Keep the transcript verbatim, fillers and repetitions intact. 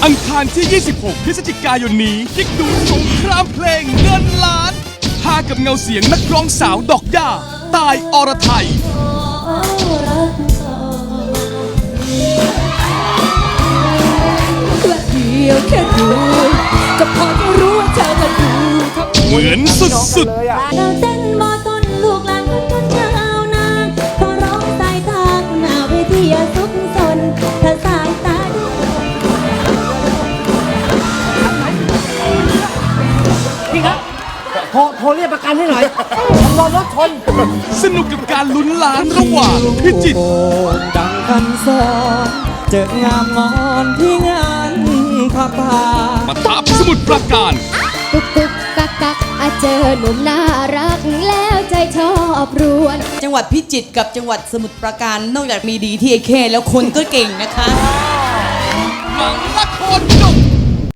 อังคารที่ ยี่สิบหก พฤศจิกายนนี้คลิกดูสงครามเพลงเงินล้านพากับเงาเสียงนักร้องสาวดอกย่าตายอรไทยเดียวแค่ดูก็พอจะรู้ว่าเธอก็ดูเหมือนสุดๆเราเต้นมอต้นลูกหลานคนคนเช้านางพอร้องสายตาหน้าเวทีสุขสนถ้าสายตาดูพี่ครับโทรโทรเรียกประกันให้หน่อยรอรถชนสนุกกับการลุ้นล้านระหว่างพิจิตรดังคันสอนเจองามงอนที่งานพาป่ามาทับสมุดประการกุกกุกกักกักอาเจอหนุ่มน่ารักแล้วใจชอบรวนจังหวัดพิจิตรกับจังหวัดสมุทรปราการนอกจากมีดีที่ไอเคแล้วคนก็เก่งนะคะหนังละคร